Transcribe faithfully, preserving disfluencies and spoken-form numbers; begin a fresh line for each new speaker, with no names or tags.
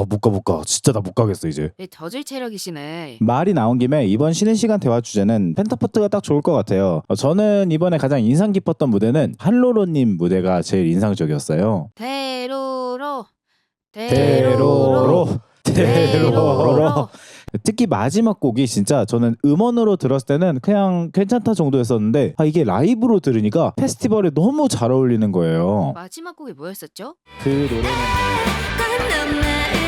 아 못 가 못 가. 진짜 나 못 가겠어 이제.
네, 저질 체력이시네.
말이 나온 김에 이번 쉬는 시간 대화 주제는 펜타포트가 딱 좋을 것 같아요. 어, 저는 이번에 가장 인상 깊었던 무대는 한로로님 무대가 제일 인상적이었어요.
대로로
대로로 대로로.
대로로.
특히 마지막 곡이 진짜 저는 음원으로 들었을 때는 그냥 괜찮다 정도였었는데 아 이게 라이브로 들으니까 페스티벌에 너무 잘 어울리는 거예요.
마지막 곡이 뭐였었죠?
그 노래는